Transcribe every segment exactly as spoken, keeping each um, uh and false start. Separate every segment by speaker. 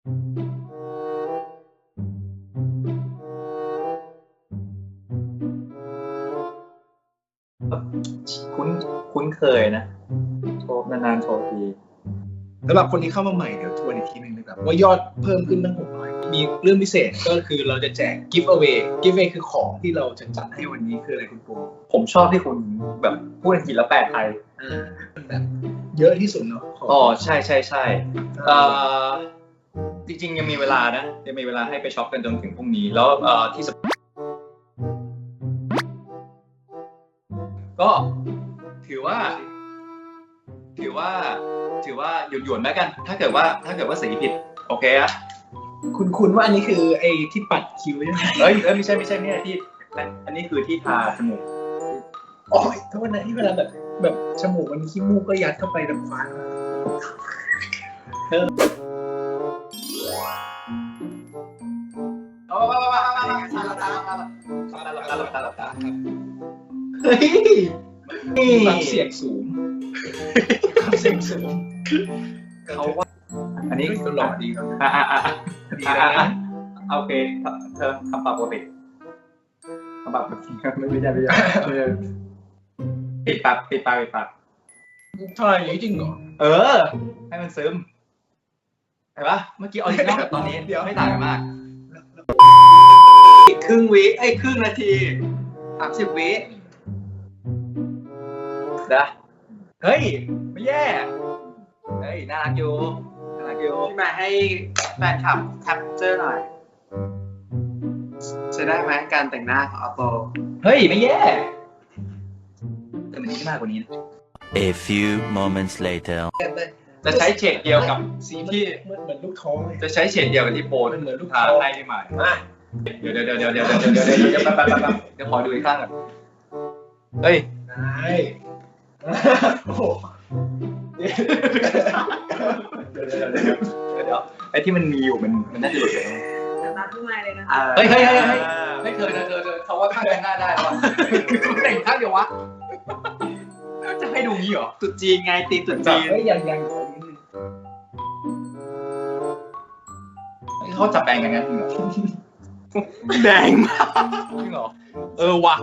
Speaker 1: คุ้นคุ้นเคยนะโชว์นานๆโชว์ที
Speaker 2: สำหรับคนที่เข้ามาใหม่เดี๋ยวทวนอีกทีหนึ่งนะครับว่ายอดเพิ่มขึ้นตั้งหกร้อยมีเรื่องพิเศษก็คือเราจะแจก give away give away คือของที่เราจะจัดให้วันนี้คืออะไรคุณปู
Speaker 1: ผมชอบที่คุณแบบพูดอังกฤษแล้วแปลไทย
Speaker 2: แบบเยอะที่สุดเนาะ
Speaker 1: อ๋อใช่ใช่ใช่เอ่อจริงๆยังมีเวลานะยังมีเวลาให้ไปช็อปกันจนถึงพรุ่งนี้แล้วเอ่อที่ก็ถือว่าถือว่าถือว่าหยวนๆแล้วกันถ้าเกิดว่าถ้าเกิดว่าสีผิดโอเคอะ
Speaker 2: คุณคุณว่าอันนี้คือไอ้ที่ปัดคิ้วใช่ไหม
Speaker 1: เอ้ยเอ้ยไม่ใช่ไม่ใช่ไม่ใช่ที่อันนี้คือที่ทาจมูก
Speaker 2: อ๋อโทษนะที่เวลาแบบแบบจมูกมันขี้มูกก็ยัดเข้าไปแบบฟันเออ
Speaker 1: โอ้มามามามาตาตาตาตาตาตาตาเฮ้ย
Speaker 2: ความเสี่ยงสูงความเสี่ยงสูง
Speaker 1: เขาว่าอันนี้
Speaker 2: ก็หล่อดีครับ
Speaker 1: อ่าอ่าอ่าดีนะโอเคเธอคำตอบปกติคำตอบปกติไม่ไม่ใช่ไม่ใช่ปิดปากปิดปากปิดปาก
Speaker 2: ใช่จริงเหรอ
Speaker 1: เออให้มันซึมเห็นปะเมื่อกี้ออริจินอลกับตอนนี้เดี๋ยวไม่ต่างกันมากครึ่งวิไอ้ครึ่งนาทีสามสิบวินะเฮ้ยไม่แย่เฮ้ยน่ารักอยู่น่ารักอยู่
Speaker 3: ที่มาให้แฟนคลับแคปเจอร์หน่อยจะได้ไหมการแต่งหน้าของอัปโป
Speaker 1: เฮ้ยไม่แย่แต่มันไม่มากกว่านี้
Speaker 4: A few moments later
Speaker 1: จะใช้เฉดเดียวกับ
Speaker 2: สีที่เหมือนเหมือนลูกท้อง
Speaker 1: จะใช้เฉดเดียวกับที่โปน
Speaker 2: เหมือนลูก
Speaker 1: ท้องให้พี่ใหม่เดี๋ยวเดี๋ยวเดี๋ยวเดี๋ยวเดี๋ยวเดี๋ยวเดี๋ยวเดี๋ยวเดี๋ยวแป๊บแป๊บแป๊บเดี๋ยวขอดูอีกข้างก่อนเฮ้ย
Speaker 2: ได้โอ้โห
Speaker 1: เดี๋ยวเดี๋ยวเดี๋ยวเดี๋ยวไอ้ที่มันมีอยู่มันมันน่าจะหลุดไป
Speaker 5: มาพี่ใหม่เลยนะ
Speaker 1: เฮ้ยเฮ้ยเฮ้ยเฮ้ยเฮ้ยเธอเธอเธอเธอเขาว่าข้างแต่งหน้าได้หรอแต่งข้างเดียววะจะให้ดูงี้เหรอ
Speaker 3: ตุดจีนไงตีตุดจีน
Speaker 2: เฮ้ยยังยังขอนิดนึง
Speaker 1: เขาจับแปลงกันงั้นจริงเหรอ
Speaker 3: แดงมาก
Speaker 1: จริงเหรอเออว่ะ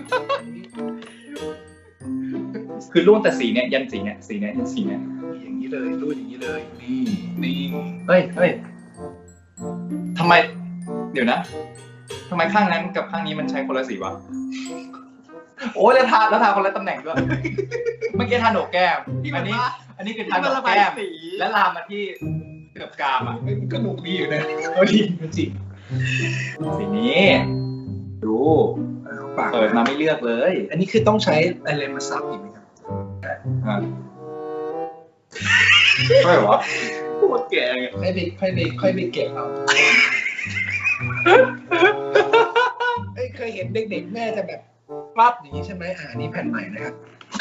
Speaker 1: คือรุ่นแต่สีเนี้ยยันสีเนี้ยสีเนี้ยยันสีเนี้ย
Speaker 2: อย่างนี้เลยรุ่นอย่างนี้เลยนี่นี่
Speaker 1: เฮ้ยเฮ้ยทำไมเดี๋ยวนะทำไมข้างนั้นกับข้างนี้มันใช้คนละสีวะโอ้ยแล้วทาแล้วทาคนละตำแหน่งด้วยเมื่อกี้ทาโหนกแก้มอันนี้อันนี้คือทาโหนกแก้มและลามมาที่เกือบกามอ่ะ
Speaker 2: มันก็หนุกดีอยู่นะเอาดีมันจริง
Speaker 1: สีนี้ดูเปิดมาไม่เลือกเลย
Speaker 2: อันนี้คือต้องใช้อะไรมาซับอีกไหมครับ
Speaker 1: อ่าไม่หรอพูดแก่
Speaker 2: ค่อยไปค่อยไปค่อยไปเก็บเอาเอ้ยเคยเห็นเด็กๆแม่จะแบบปั๊บอย่างนี้ใช่ไหมอ่านี่แผ่นใหม่นะครับ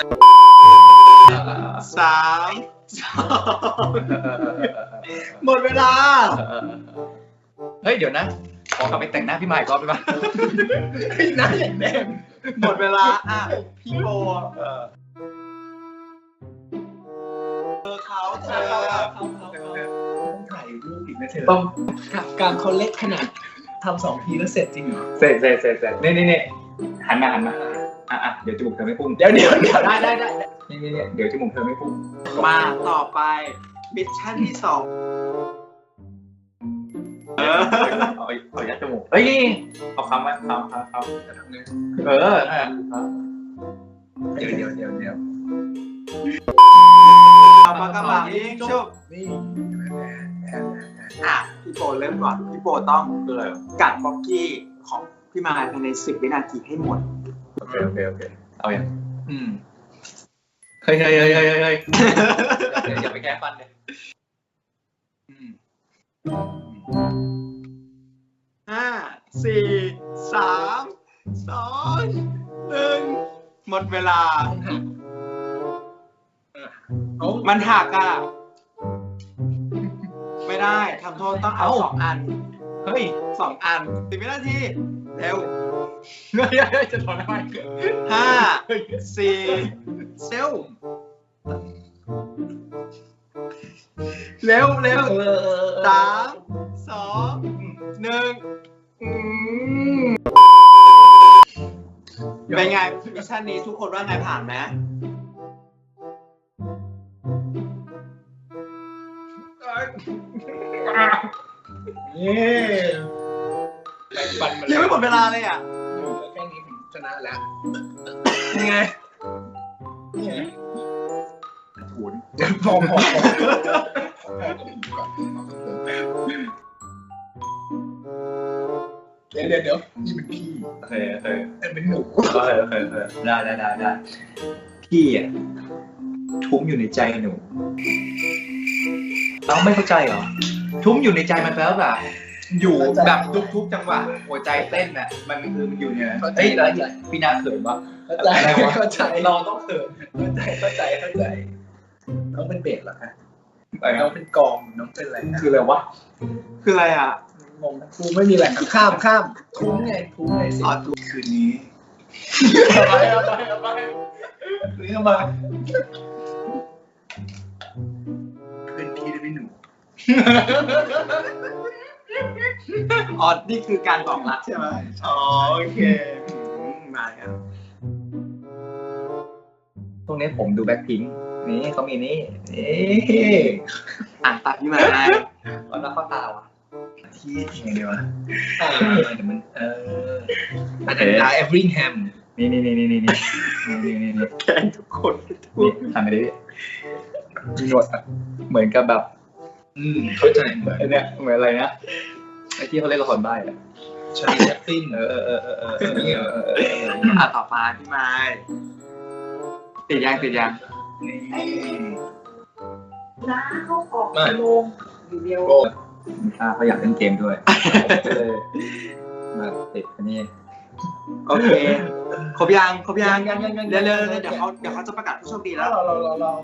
Speaker 3: สามสองหมดเวลา
Speaker 1: เฮ้ยเดี๋ยวนะขอกลับไปแต่งหน้าพี่ใหม่ก่อนไปบ้าง
Speaker 2: หน้าอย่างแดง
Speaker 3: หมดเวลาอ่ะพี่โบเออเขาเธอ
Speaker 2: เขาเขาต้องถ่ายรูปอีกนะเธอต้องการเขาเล็กขนาดทำสองทีแล้วเสร็จจริงเหรอ
Speaker 1: เสร็จเสร็จเสร็จเสร็จนี่นี่นี่หันมาหันมาอ่ะอ่ะเดี๋ยวจมูกเธอไม่พุ่ง
Speaker 2: เดี๋ยวเดี๋ยวเดี๋ยวได้ได้ได้
Speaker 1: นี่นี่นี่เดี๋ยวจมูกเธอไม่พุ่ง
Speaker 3: มาต่อไปมิชชั่นที่สอง
Speaker 1: เออเอาเอายัดจมูกเฮ้ยเอาคำไว้คำคำคำจะทำไงเออ
Speaker 2: เดี๋ยวเดี๋ยวเดี๋ยวเดี๋ยว
Speaker 3: เอาปากกาบายิงชุบ
Speaker 2: นี่
Speaker 3: อ่ะพี่โปเริ่มก่อนพี่โปต้องเลยกัดบ็อกกี้ของพี่มาภายในสิบวินาทีให้หมด
Speaker 1: โอเคโอเคโอเคเอาอย่างอืมเฮ้ยเฮ้ยเฮ้ยเฮ้ยเฮ้ยอย่าไปแก้ฟันเลย
Speaker 3: ห้าสี่สามสองหนึ่งหมดเวลามันหักอ่ะไม่ได้ทำโทษต้องเอาสองอันเฮ้ยสองอันสิบวินาทีเร็ว
Speaker 1: เฮ้ยจะถอนทำไม
Speaker 3: ห้าสี่เซลเร็วเร็วสามองหนึ่งอืมเป็นไงมิชชั่นนี้ทุกคนว่าไงผ่านไหม
Speaker 2: นี่แบ่งปันมา
Speaker 3: ยังไม่หมดเวลาเลยอ่ะ
Speaker 2: อยู่แค่นี้ผมชนะแล้ว
Speaker 3: ยังไง
Speaker 2: นี่ไง
Speaker 1: ถูน
Speaker 2: พอพอเดี๋ยวเดี๋ยวเดี๋ยวนี่เป็นพี่
Speaker 1: โอเคโอเค
Speaker 2: นั่นเป็นหนู
Speaker 1: โอเคโอเคโอเคได้ได้ได้ได้พี่อ่ะทุ้มอยู่ในใจหนูเราไม่เข้าใจเหรอทุ้มอยู่ในใจมันแปลว่าแบบอยู่แบบทุกๆจังหวะหัวใจเต้นน่ะมันคือมันอยู่เนี่ยเฮ้ยแล้วพี่นาเขินวะ
Speaker 2: เข้าใจ
Speaker 1: อะไรวะ
Speaker 2: เข้าใจ
Speaker 1: เราต้องเขิน
Speaker 2: เข้าใจเข้าใจเข้าใจน้องเป็นเบสเหรอคะ
Speaker 1: อะไร
Speaker 2: น้อ
Speaker 1: นะ
Speaker 2: งเป็นกองน้องเป็นอะไรนะ
Speaker 1: คืออะไรวะ
Speaker 3: คืออะไรอ่ะ
Speaker 2: งงครูไม่มีแหล่งข้ามข้ามทุ้งไงทุ้งไงสิ
Speaker 3: อ๋อถูก
Speaker 2: คืนนี้
Speaker 1: อะไรอะไรอะไร
Speaker 2: หรือมาเป็นพี่ได้ไหมหนู
Speaker 3: อ๋อนี่คือการบอกรักใช่ไหมอ๋อโอเคอืมมาครับ
Speaker 1: ตรงนี้ผมดูแบ็คพิงค์นี่เขามีนี่นี่
Speaker 3: อ่านตามพี่มาได้
Speaker 1: แล้วเขาตาวะ
Speaker 2: ที่ยังไงดีวะเออเดี๋ยวมันเอออันนั้น
Speaker 1: เอ๊ะ
Speaker 2: ดาเอฟริงแฮม
Speaker 1: นี่นี่นี่นี่นี่นี่นี่นี่นี่
Speaker 3: แกล้งทุกคนทุ
Speaker 1: นี่
Speaker 3: ก
Speaker 1: ทำไปดิมีหนวดอะเหมือนกับแบบ
Speaker 2: อืมเข้าใจเหมือน
Speaker 1: ไอเนี้ยเหมือนอะไรนะไอที่เขาเล่นละครใบ้อะ
Speaker 2: ชาลีแชปลิน
Speaker 1: เออเออเออเออเออเออเออเออเออ
Speaker 3: อ่ะต่อมาพี่ไม้ติดยังติดยัง
Speaker 2: นี่
Speaker 5: น้าเขาออก
Speaker 2: มา
Speaker 5: โมงอยู่เดียว
Speaker 2: โก้
Speaker 1: อ่าเขาอยากเล่นเกมด้วยเลยมาติดอันนี้
Speaker 3: โอเคครบยังครบยัง
Speaker 2: ยังยังยัง
Speaker 3: เร็วเร็วเร็วเดี๋ยวเขาเดี๋ยวเขาจะประกาศผู้โชคดีแล้ว
Speaker 2: เราเราเราเรา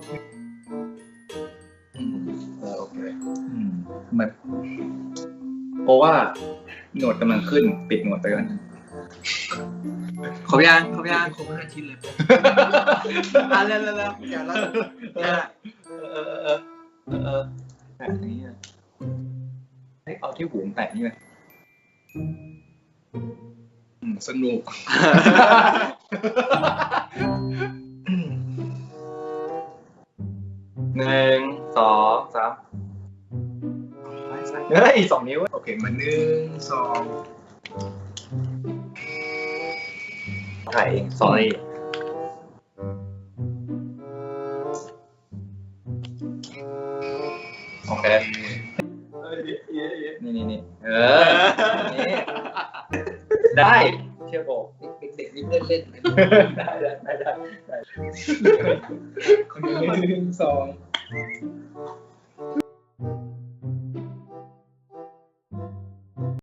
Speaker 1: อืมเออโอเคอืมมันเพราะว่าหนวดกำลังขึ้นปิดหนวดไปก่อน
Speaker 3: ครบยังครบยัง
Speaker 2: ครบห้าชิ้นเลย
Speaker 3: อ่ะเร็วเร็วเร็วเดี๋ยวเราเดี๋ยว
Speaker 1: เออเออเออเออเออแปะนี้อะเฮ้ยเอาที่หูแปะนี่ไหม
Speaker 2: อืมสนุก
Speaker 1: หนึ่งสองสามเฮ้ยสองนิ้ว
Speaker 2: โอเคมาหนึ่งสอง
Speaker 1: ถ่ายเอง sorry โอเค นี่นี่นี่เออนี่ได้เชื่อโบ
Speaker 2: เด็กๆนี่เล่นเล่น
Speaker 1: ได้ได้ได้ได้
Speaker 2: คนหนึ่งสอง